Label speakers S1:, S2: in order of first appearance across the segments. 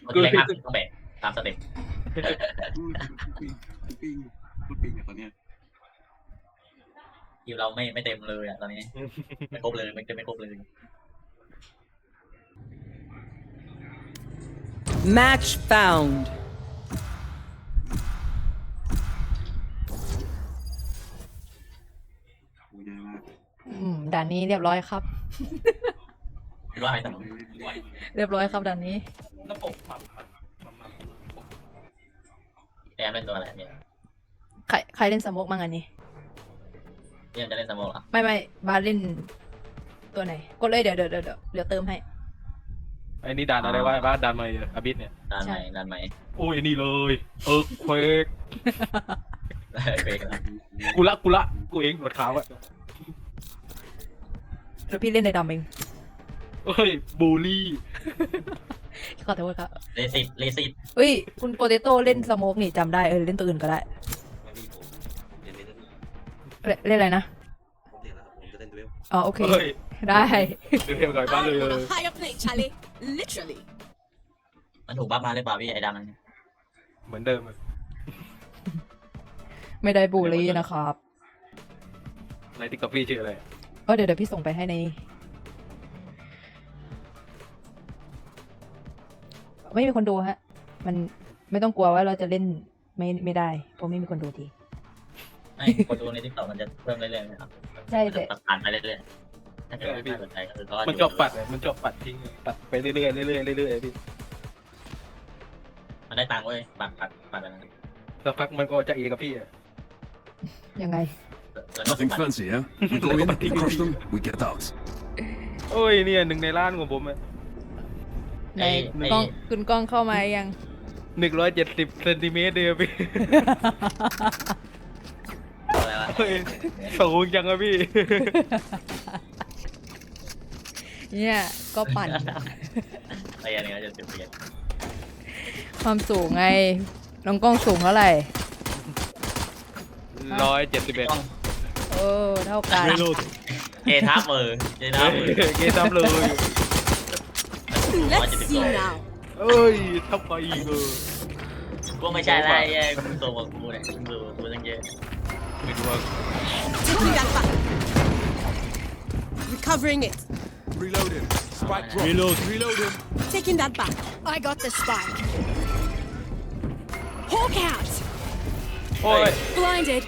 S1: มันแรงมากต้องแบกตามสเต็ป
S2: ปิ้งเนี่ยตอนเนี้ย
S1: ทีมเราไม่เต็มเลยอ่ะตอนนี้ไม่ครบเลยไม่ครบเลย
S3: Match found.
S2: โอ้ยเยอะมาก
S4: ด่านนี้เรียบร้อยครับ
S1: คิดว่าไอ้สมอง
S4: เรียบร้อยครับด่านนี้
S1: แอมเป็นตัวอะไรเนี่ย
S4: ใครเล่นสโมกมั่งอันนี้
S1: พี่จะเล่นสมองเหรอ
S4: ไม่บาสเล่นตัวไหนกดเลยเดี๋ยวเติมให้
S5: ไอ้นี่ดันอะไรวะบ้าดันมาอาบิสเนี่ย
S1: ด้านไหนด้านไหน
S5: โอ้ยนี่เลยเควก
S1: เฟกนะ
S5: กูเองหนวดขาวอะ
S4: เดี๋ยวพี่เล่นในดำเอง
S5: เอ้ยบูลลี่
S4: ขอโทษครับ
S1: เลสิต
S4: เฮ้ยคุณโปเตโต้เล่นสโมกนี่จำได้เล่นตัวอื่นก็ได้เล่นอะไรนะอ๋อโอเค
S5: เฮ้ย
S4: ได้
S5: เดี๋ยวเทียมกับบ้านเลย
S3: Higher plate, Charlie. Literally.
S1: มันถูกบัฟมาหรือเปล่าพี่ไอ้ดำมัน
S5: เหมือนเดิม
S4: ไม่ได้บูลลี่นะครับ
S5: ในติ๊กต็อกพี่ชื่ออะไร
S4: เดี๋ยวพี่ส่งไปให้ในไม่มีคนดูฮะมันไม่ต้องกลัวว่าเราจะเล่นไม่ได้เพราะไม่มีคนดูที
S1: ให้คนดูในทิกตอกมันจะเพิ่มเรื่อยๆนะครับ
S4: ใช่แต่
S1: ผ่านไปเรื่อยๆถ้าเกิดไม่สนใจก็คือ
S5: มันจบปัดทิ้งปัดไปเรื่อยๆพี่
S1: มันได้ตังค์เว้ยปัดไปนะ
S5: สักพักมันก็จะเอกับพี่อะ
S4: ยังไง
S6: Nothing fancy, huh? We go in, we crush them, we get out.
S5: โอ้ยเนี่ย1 ในล้านของผมอะ
S4: ในกล้องคุณกล้องเข้ามายัง
S5: 170 เซนติเมตรเดียวพี่
S1: อะไรวะ
S5: เฮ้ยสูงจังอะพี่
S4: เนี่ยก็ปั่น
S1: อะไรอย่างเงี้ยจะเปลี่ยน
S4: ความสูงไงน้องกล้องสูงเท่าไหร่
S5: 171
S4: เท่ากัน
S1: เกทับมือ
S5: เกทับเลย
S3: Let's see now.
S5: เอ้ยทับไปอีก
S1: กูไม่ใช่ไรแย่กูโตกว่ากูเนี่ยกูตั้งเยอะ
S5: ไม่รู้ว่า
S3: Taking that back. Recovering it.
S6: Reloading. Spike drop. Reloading.
S3: Taking that back. I got the spike. Hawk out.
S5: โอ้ย
S3: Blinded.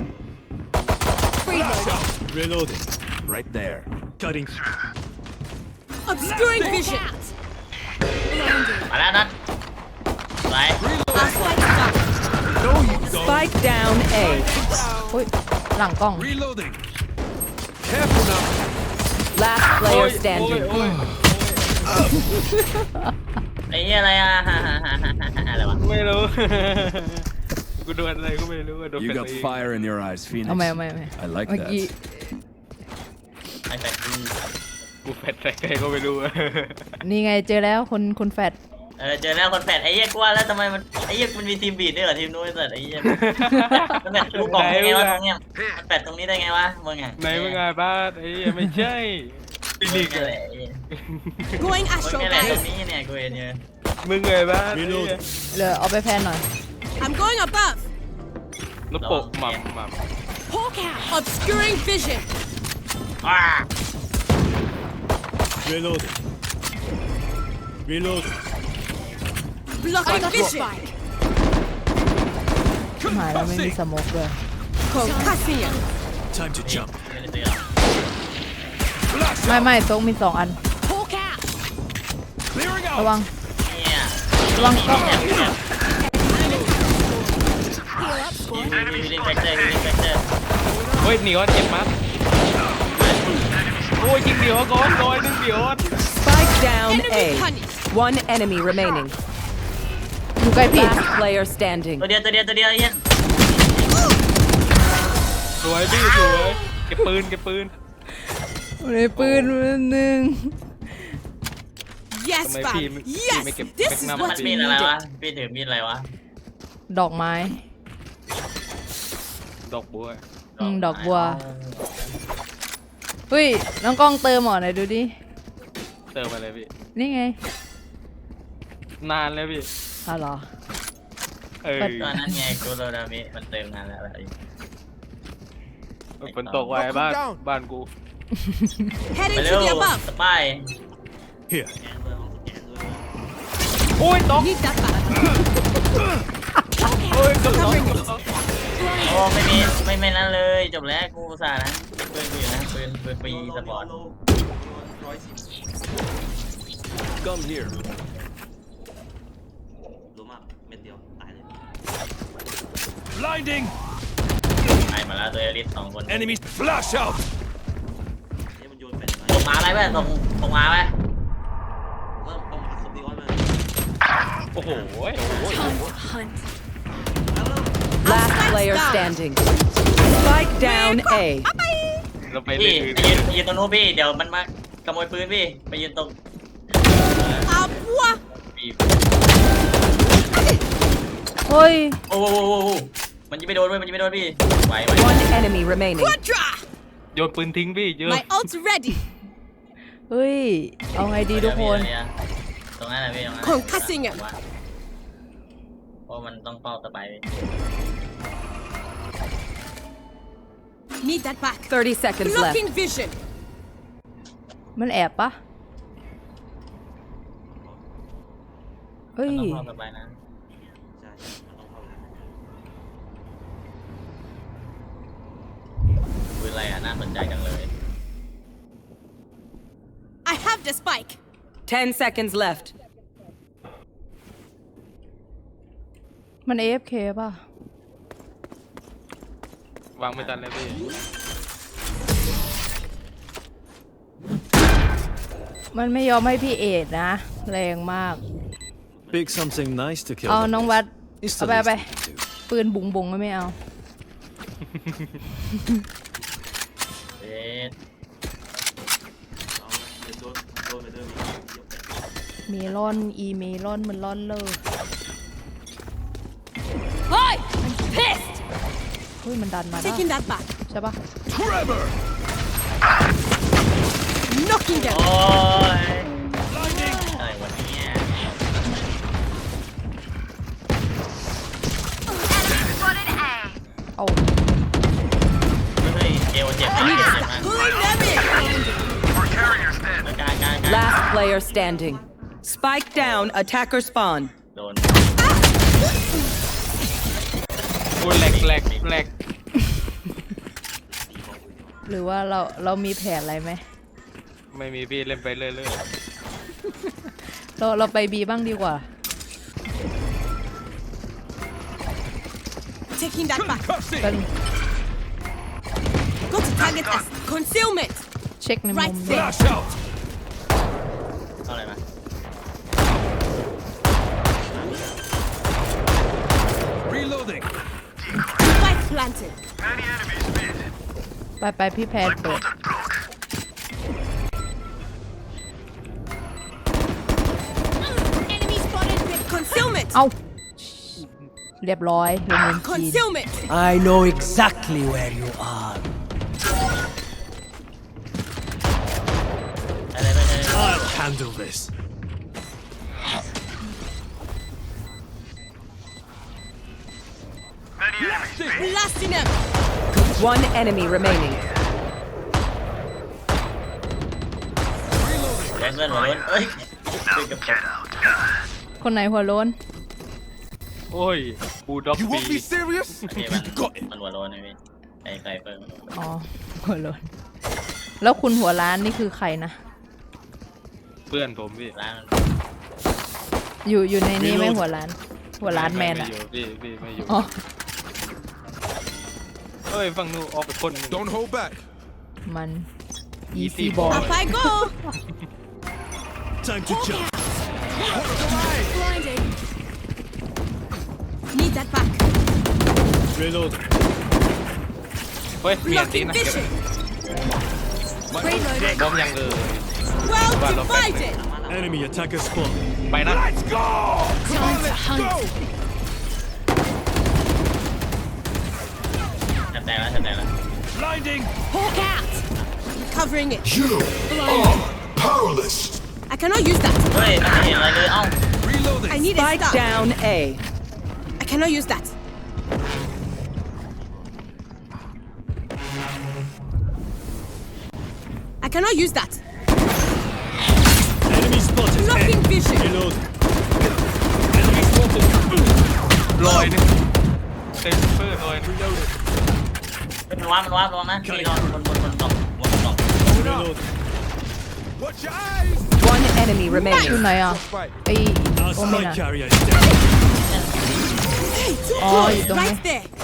S3: Reload.
S6: Reloading. Right there. Cutting through.
S3: Obscuring vision. Blinded.
S1: มาแล้วนัดไป
S3: Last light down.
S6: No, you don't.
S3: Spike down A.
S4: อุ้ยหลังกล้อง
S6: Reloading. Careful now.
S3: Last player standing.
S1: ไอ้เหี้ยอะไรอ่ะอะไรวะ
S5: ไม่รู้ กูโดนอะไรก็ไม่รู้โดน
S6: You
S5: เป็น
S6: got
S5: ตัวเอง
S6: fire in your eyes, Phoenix.
S4: เอาไม่
S6: I like
S4: เมื่อกี้
S6: that.
S1: ไอ้แฟน
S5: กูแฟดใส่ใครก็ไม่รู้
S4: นี่ไงเจอแล้วคนแฟด
S1: เจอแล้วคนแฟนไอ้เหี้ยกว่าแล้วทำไมมันไอ้เหี้ยมันมีทีมบีดด้วยเหรอทีมนู้นแต่ไอ้เหี้ยมันแฟดลูกกล่องได้ไงวะตรงเนี้ยมันแฟดตรงนี้ได้ไงวะมึงไง
S5: ไหนมึงไงบ้านไอ้ไม่ใช่ฟินิก
S1: นี่
S5: อะ
S1: แหละ
S3: Going
S1: มึง
S3: astral,
S1: นี่แหละตรง
S3: guys.
S1: นี้เนี่ยกูเห็นเยอะ
S5: มึงไงบ้าน
S6: Reloading.
S4: เหลือเอาไปแพนหน่อย
S3: I'm going above.
S5: แล้วโปะหม่ำ
S3: Hawk out. Obscuring vision.
S1: ว้า
S6: Reloading. Reloading.
S3: Blocking vision.
S4: หายแล้วไม่มีสโมกเลย
S3: Concussive.
S6: Time to jump.
S1: ไม่ได้ซื้อหรอก
S4: ไม่โต๊ะมี2 อัน
S3: Hawk out.
S6: Clearing
S4: ระวัง
S1: เนี่ย
S4: ระวังกล้อง
S3: Heal up,
S1: ยู
S3: squad.
S1: ริงแฟกเตอร์ยูริงแฟกเตอร์
S5: เฮ้ยหนีออนเจ็บมั้ยโอ้ยยิงเดียวก่อนลอยนึงเดียว
S7: Spike down
S3: Enemy
S7: A.
S3: punished.
S7: One enemy remaining.
S4: อยู่ใกล้พี่
S7: Last player standing.
S1: ตัวเดียวไอ้เหี้ย
S5: สวยพี่สวยเก็บปืน
S4: ในปืนหนึ่ง
S3: Yes,
S5: ทำไม
S3: Bob.
S5: พี่ไม่
S3: Yes.
S5: เก็บ
S3: This is
S5: แม็กนัม
S3: what
S1: มี
S3: we
S1: ดอะไรวะ
S3: needed.
S1: พี่ถือมีดอะไรวะ
S4: ดอกไม้
S5: ดอกบัว
S4: ดอกบัว เฮ้ยน้องกล้องเติมหมอหน่อยดูดิ
S5: เติมอะไรพี่
S4: นี่ไง
S5: นานแล้วพี่
S4: อ๋อเหรอ
S5: เออ
S1: ตอนนั้นไงกูโรดามิมันเติมนานแล้วอะไร
S5: ฝนตกไว้บ้านกู
S1: ไป
S3: Heading
S1: เร็
S3: to
S1: ว
S3: the above.
S1: สปาย
S6: Here.
S5: โอ้ยตก
S3: Need that back.
S5: โอ้ยตก
S3: Covering it.
S1: โอ้ไม่นั่นเลยจบแล้วกูอุตส่าห์นะปืนกูอยู่นะปืนฟรีสปอร์ต
S6: Come here.
S2: รู้มากเม็ดเดียวตายเลย
S6: Blinding.
S1: ไปมาแล้วตัวเอลิส2 คน
S6: Enemy flash out.
S2: เนี่ยมันโยนแฟนไป
S1: ส่งมาอะไรไหมส่งมาไหม
S2: เริ่มประมาณ10 นิ้วมา
S5: โอ้โห
S3: Hunt.
S7: Last player standing. Spike down A.
S5: เราไป
S1: พี่
S5: เลย
S1: ไปยืนตรงนู้นพี่เดี๋ยวมันมาขโมยปืนพี่ไปยืนตรง
S3: Abwa.
S1: พี่
S4: เฮ้ย
S1: โอ้โหมันยิงไม่โดนเว้ยมันยิงไม่โดนพี่ไหว
S7: One enemy remaining.
S3: Quadra.
S5: โยนปืนทิ้งพี่เยอะ
S3: My ult's ready.
S4: เฮ้ย เอาไงดีทุกคน
S1: ตรงนั้นนะพี่ตรงนั้น
S3: Concussing him.
S1: เพราะมันต้องเป้าสบาย
S3: Need that back.
S7: 30 seconds left.
S3: Blocking vision.
S4: มันแอบปะเฮ้ย
S1: ต้องเป้าสบายนะ
S2: ใช่มันต้องเข้าเลย
S1: ปืนอะไรอ่ะน่าสนใจกันเลย
S3: I have the spike.
S7: 10 seconds left.
S4: มัน AFK ป่ะ
S5: วางไม่ทันเลยพี่
S4: มันไม่ยอมให้พี่เอ็ดนะ แรงมาก
S6: Pick something nice to kill
S4: เอา
S6: them
S4: น้อง
S6: with.
S4: วัด
S6: It's
S4: เอา
S6: the
S4: ไป
S6: least we can do.
S4: ปืนบุ๋งไม่เอา
S1: เอ๊ะ
S2: เอาเดี๋ยวโดนไปเดิมอีกเดี๋ยวแฟน
S4: เมลอนอีเมลอนมันลอนเลย
S3: Hi. I'm pissed.
S4: เฮ้ยมันดันมาได้
S3: Taking that back.
S4: ใช่ปะ
S6: Trevor.
S3: Knocking them.
S1: โอ้ยอะไรวะเนี่ย
S4: เอา
S1: เฮ้ยเอวเจ็บมาก
S3: Need
S1: เจ็บ
S3: that.
S1: มาก
S3: Pulling them in.
S1: การ
S7: Last player standing. Spike down. Attacker spawn.
S1: โดน
S5: โอ้ยแหลก
S4: หรือว่าเรามีแผนอะไรไหม
S5: ไม่มีพี่เล่นไปเรื่อย
S4: เราไปบีบ้างดีกว่า
S3: Taking that back.
S4: เป็น
S3: Go to target us. Concealment.
S4: เช็คในมุม
S3: Right
S4: ด้วย
S3: there.
S6: Flash out.
S1: เท่าไหร่มา
S6: Reloading.
S3: Spike planted.
S4: ไปพี่แพนเปิด
S3: Enemy spotted with concealment.
S4: เอาเรียบร้อยโรงเรียนจีน
S3: Concealment.
S8: I know exactly where you are.
S1: อะไรไปเลย
S6: I'll handle this.
S3: Blasting them.
S7: One enemy remaining.
S1: แรงเงินหัวล้นเอ้ยคุยกับแก
S4: คนไหนหัวโล้น
S5: ๆโอ้ยบูด็อก
S6: You
S5: ปี
S6: won't be serious?
S1: พี่
S6: You got it.
S1: มันหัวล้นนะพี่ไอ้ไก่เปิ้ล
S4: อ๋อหัวโล้นแล้วคุณหัวร้านนี่คือใครนะ
S5: เพื่อนผมพี่
S1: ร้านมัน
S4: อยู่ในนี้ไหมหัวร้านแมน
S5: ไม่
S4: อะ
S5: อยู่พี่ไม่อยู่
S4: อ๋อ
S5: เฮ้ยฝั่งนู้นออกไปคนหนึ่ง
S6: Don't hold back.
S4: มัน
S5: Easy
S4: easy ball
S3: Up I go.
S6: Time to jump.
S3: Blinding. Need that back.
S6: Reloading.
S5: เฮ้ยเมียนตี
S3: Blocking
S5: นะ
S3: vision.
S5: บอมยังเลย
S3: Well
S5: Well,
S3: divided.
S6: Enemy attacker spawn.
S5: ไปนะ
S6: Let's go. Come on, let's go.
S1: แทบแตกแล้ว
S6: Blinding.
S3: Hawk out. Covering it.
S6: You are powerless.
S3: I cannot use that.
S1: เฮ้ยมันไม่เห็นอะไรเลยเอ้า
S6: Reloading.
S3: I need a
S7: Spike
S3: stop.
S7: down A.
S3: I cannot use that. I cannot use that.
S8: Enemy spotted.
S3: Blocking vision.
S8: Reload. Enemy spotted.
S9: ลอยนึงเต็มเปิดลอยนึง
S1: มันว้าลงนะที่นอนบนตอก
S8: Reload.
S7: One enemy
S4: อยู่
S7: remaining.
S4: ไหนอ่ะไอ
S8: Our
S4: โอเมน
S8: spike
S4: อ่ะ
S8: carrier is down.
S3: Hey, too
S4: Oh,
S3: close.
S4: you don't
S3: Right
S4: know.
S3: there.